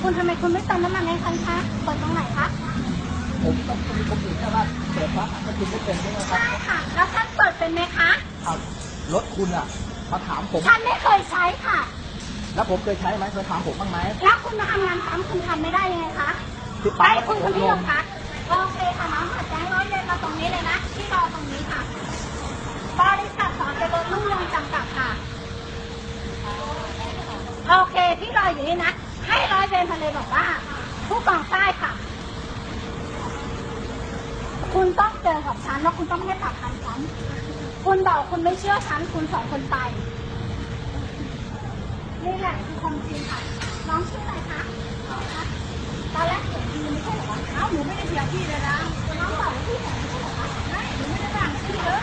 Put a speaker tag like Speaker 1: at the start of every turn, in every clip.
Speaker 1: คุณทำไมคุณไม่เติมน้ำมันให้ฉันคะเปิดตรงไหนคะ
Speaker 2: ผมต้องมีคนอื่นแค่ว่าเปิดพักมันคุณไม่เป็นใช่ไหมครับ
Speaker 1: ใช่ค่ะแล้วฉันเปิดเป็นไหมคะ
Speaker 2: ครับรถคุณอ่ะมาถามผม
Speaker 1: ฉันไม่เคยใช้ค่ะ
Speaker 2: แล้วผมเคยใช้ไหมเคยถามผมบ้างไหม
Speaker 1: แล้วคุณมาทำงานซ้ำคุณทำไม่ได้ยังไงคะไปคุณคนที่โรงพักโอเคค่ะน้องค่ะแจ้งร้อยเรียนมาตรงนี้เลยนะที่รอตรงนี้ค่ะบริษัทสอนเจริญรุ่งเรืองจำกัดค่ะโอเคที่รออยู่นี่นะให้ร้อยเวรทะเลบอกว่าผู้กองใต้ค่ะคุณต้องเจอกับฉันแล้วคุณต้องให้ปากคำฉันคุณบอกคุณไม่เชื่อฉันคุณสองคนไปนี่แหละคือความจริงค่ะน้องชื่ออะไรคะตอนแรกเสียงดีไม่ใช่เหรอเอ้าหนูไม่ได้เสียพี่เลยนะน้องบอกว่าพี่แต่ไม่ใช่เหรอไม่หนูไม่ได้ด่าพี่เลย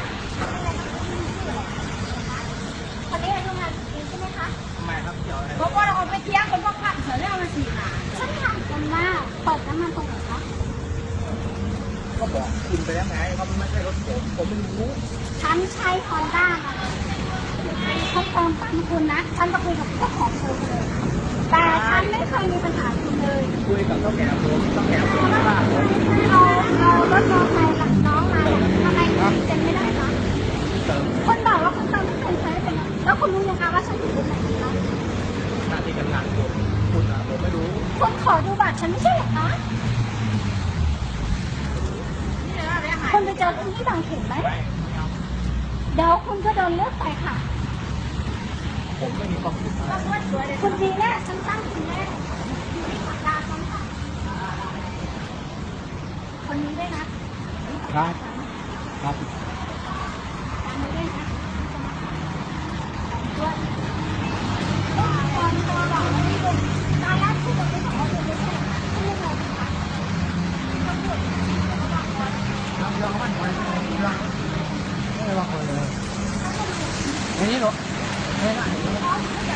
Speaker 1: คนนี้อายุงานจริงใช่ไหมคะ
Speaker 2: ทำไมครับเกี่ยวอะไร
Speaker 1: เพราะว่าเราไปเที่ยงคนพวกขับเสือเรื่องมาสี่ค่ะฉันถามกันว่าเปิดน้ำมันตรงไหนคะ
Speaker 2: ก็บอกคุณไปแล้วไงว่ามันไม่ใช่รถผมไม่รู้
Speaker 1: ฉันใช้ฮอนด้าเขาเติมตังคุณนะฉันจะคุยกับเจ้าของโชว์เลยแต่ฉันไม่เคยมีปัญหาคุณเลย
Speaker 2: คุยกับเจ้าแก่ผมว่า
Speaker 1: เอารถมอเตอร์ไซค์กับน้องมาทำไมคุณเซ็นไม่ได้คะคนบอกว่าคุณเติมไม่เคยใช้เป็นแล้วคุณรู้ยังคะว่าฉันอยู่ตรงไหนคะ
Speaker 2: หน้าที่การงานคุณอ่ะผมไม่รู้
Speaker 1: คุณขอดูบัตรฉันไม่ใช่เหรอคะคุณไปเจอคุณที่บางเขนไหมเดี๋ยวคุณก็โดนเลือกไปค่ะ
Speaker 2: ผมไม่มีความผิด
Speaker 1: คุณดีแน่ฉันตั้งคุณแน่ขับดาฉันค่ะคนนี้ด้วยนะครับ
Speaker 2: ครับ
Speaker 1: ตามนี้ด้วยนะด้วยตอนตัวบอกว่าไม่ดูตอนแรกคุณบอกไม่บอกว่าดูไม่ใช่คุณยังไงคะตำรวจเขาบอกว่า
Speaker 2: เราไม่ได้ว่าคนเลยอย่างนี้หรอไม่ได้